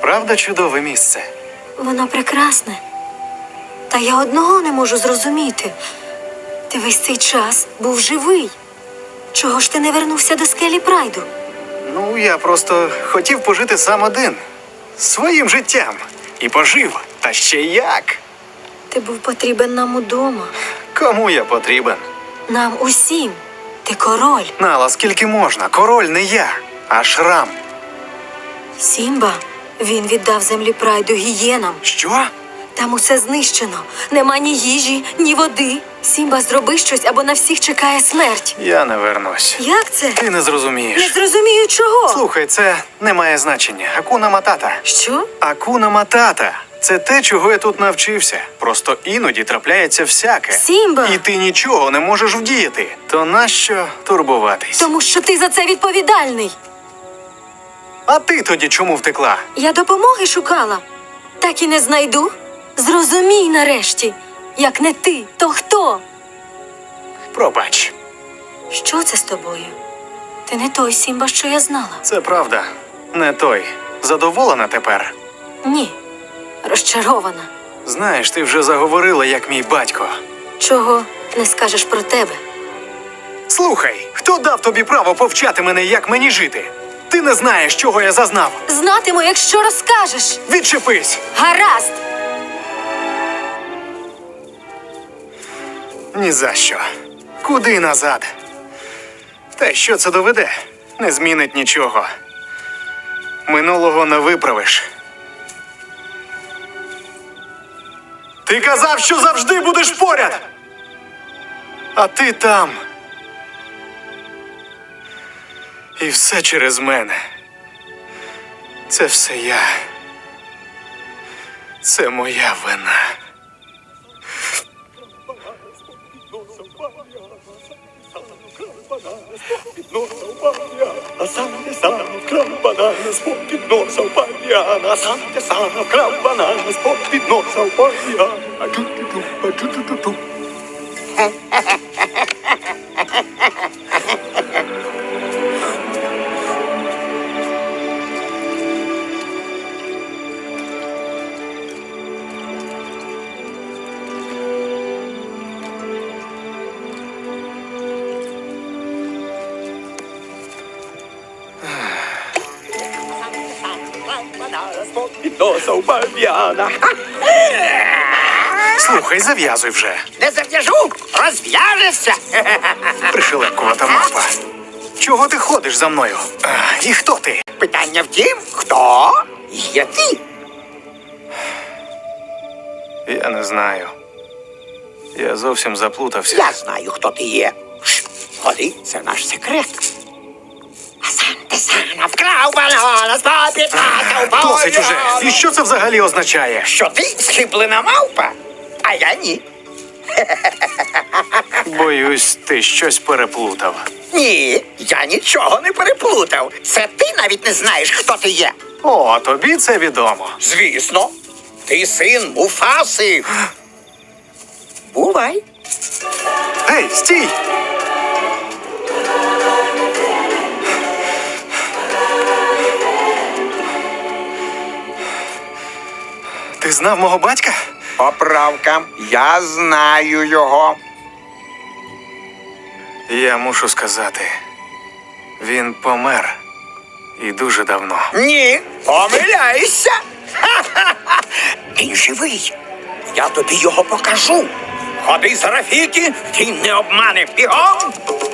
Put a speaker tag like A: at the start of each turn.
A: правда чудове місце?
B: Воно прекрасне. Та я одного не можу зрозуміти. Ти весь цей час був живий. Чого ж ти не вернувся до скелі Прайду?
A: Ну, я просто хотів пожити сам один. Своїм життям. І пожив. Та ще як?
B: Ти був потрібен нам удома.
A: Кому я потрібен?
B: Нам усім. Ти король.
A: Нала, скільки можна? Король не я, а Шрам.
B: Сімба, він віддав землі Прайду гієнам.
A: Що?
B: Там усе знищено. Нема ні їжі, ні води. Сімба, зроби щось, або на всіх чекає смерть.
A: Я не вернусь.
B: Як це?
A: Ти не зрозумієш.
B: Не зрозумію чого.
A: Слухай, це не має значення. Акуна матата.
B: Що?
A: Акуна матата. Це те, чого я тут навчився. Просто іноді трапляється всяке.
B: Сімба!
A: І ти нічого не можеш вдіяти. То нащо турбуватись?
B: Тому що ти за це відповідальний.
A: А ти тоді чому втекла?
B: Я допомоги шукала. Так і не знайду. Зрозумій нарешті. Як не ти, то хто?
A: Пробач.
B: Що це з тобою? Ти не той Сімба, що я знала.
A: Це правда. Не той. Задоволена тепер?
B: Ні. Розчарована.
A: Знаєш, ти вже заговорила, як мій батько.
B: Чого не скажеш про тебе?
A: Слухай, хто дав тобі право повчати мене, як мені жити? Ти не знаєш, чого я зазнав.
B: Знатиму, якщо розкажеш.
A: Відчепись!
B: Гаразд!
A: Ні за що. Куди назад? Та що це доведе? Не змінить нічого. Минулого не виправиш. Ти казав, що завжди будеш поряд! А ти там. І все через мене. Це все я. Це моя вина.
C: А сам ти сам вкрав банана з-під носа в пав'яна. А сам ти сам вкрав банана з-під носа в пав'яна. А-ту-ту-ту. З-під носа в пав'яна.
A: Слухай, зав'язуй вже.
D: Не зав'яжу, розв'яжешся.
A: Пришелепкувата мавпа. Чого ти ходиш за мною? І хто ти?
D: Питання в тім, хто є ти?
A: Я не знаю. Я зовсім заплутався.
D: Я знаю, хто ти є. Ходи, це наш секрет. А сам ти сам вкрав банана з-під носа в пав'яна.
A: Досить уже. І що це взагалі означає?
D: Що ти схиблена мавпа, а я ні.
A: Боюсь, ти щось переплутав.
D: Ні, я нічого не переплутав. Це ти навіть не знаєш, хто ти є.
A: О, тобі це відомо.
D: Звісно, ти син Муфаси. Бувай.
A: Гей, стій! Ти знав мого батька?
D: Поправка. Я знаю його.
A: Я мушу сказати, він помер. І дуже давно.
D: Ні, помиляєшся. Ха-ха-ха. Він живий. Я тобі його покажу. Ходи з Рафіки, він не обмане. Бігом.